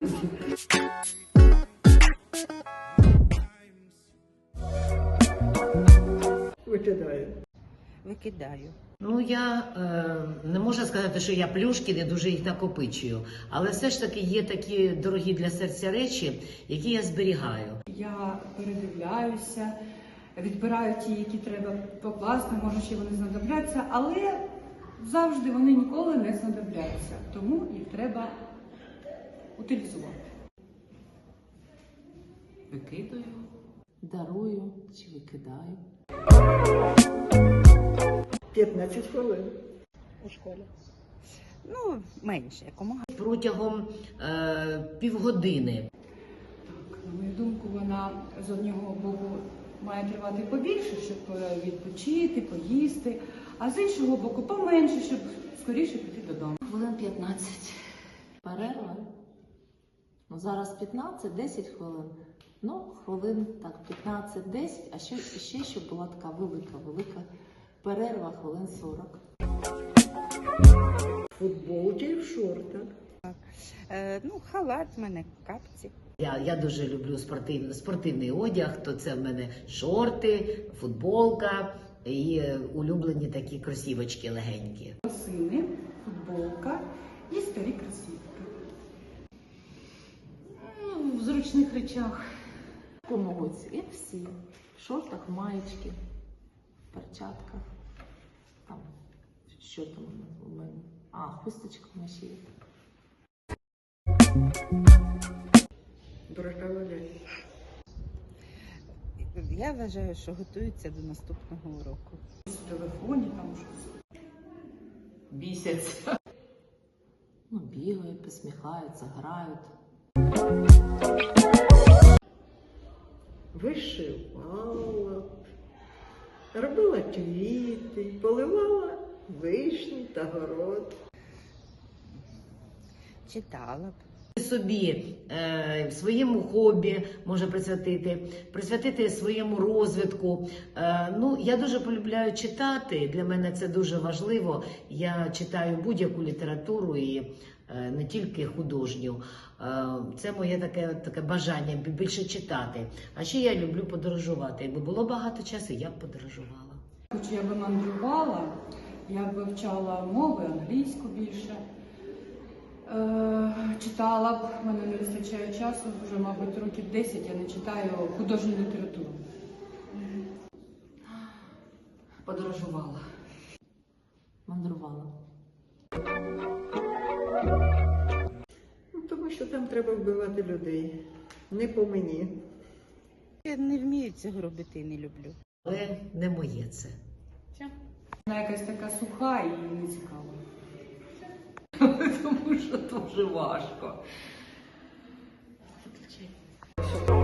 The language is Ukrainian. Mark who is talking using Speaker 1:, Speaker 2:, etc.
Speaker 1: Викидаю.
Speaker 2: Викидаю.
Speaker 3: Ну, я не можу сказати, що я плюшки, не дуже їх накопичую. Але все ж таки є такі дорогі для серця речі, які я зберігаю.
Speaker 4: Я передивляюся, відбираю ті, які треба покласти, може ще вони знадобляться, але завжди вони ніколи не знадобляться, тому їх треба утилізувати.
Speaker 5: Викидаю, дарую чи викидаю.
Speaker 1: 15 хвилин.
Speaker 2: У школі. Ну, менше, якомога.
Speaker 3: Протягом півгодини.
Speaker 4: Так, на мою думку, вона з одного боку має тривати побільше, щоб відпочити, поїсти, а з іншого боку поменше, щоб скоріше піти додому.
Speaker 5: Хвилин 15. Перерва. Ну, зараз 15-10 хвилин. Ну, хвилин так 15-10, а ще щоб була така велика перерва, хвилин 40.
Speaker 1: В футболці і в шортах.
Speaker 2: Ну, халат в мене, капці.
Speaker 3: Я дуже люблю спортивний одяг, то це в мене шорти, футболка і улюблені такі кросівочки легенькі.
Speaker 4: Лосини, футболка і старі кросівки.
Speaker 5: В зручних речах. Комоць, як всі. В шортах, маєчки, в перчатках. Там, що там у мене? Хусточка на шиї.
Speaker 1: Дорога валяє.
Speaker 2: Я вважаю, що готуються до наступного уроку.
Speaker 4: В телефоні там щось.
Speaker 5: Бісяться. Ну, бігають, посміхаються, грають.
Speaker 1: Вишивала, робила квіти, поливала вишні та город.
Speaker 2: Читала б.
Speaker 3: Собі, своєму хобі може присвятити своєму розвитку. Ну, я дуже полюбляю читати, для мене це дуже важливо. Я читаю будь-яку літературу і не тільки художню. Це моє таке бажання більше читати. А ще я люблю подорожувати. Якби було багато часу, я б подорожувала.
Speaker 4: Хоч я би мандрувала, я б вивчала мови, англійську більше. Читала б, в мене не вистачає часу, вже, мабуть, років 10 я не читаю художню літературу.
Speaker 5: Подорожувала. Мандрувала.
Speaker 1: Ну, тому що там треба вбивати людей. Не по мені.
Speaker 2: Я не вмію цього робити і не люблю.
Speaker 3: Але не моє це.
Speaker 4: Вона якась така суха і не цікава.
Speaker 5: Тому що дуже важко.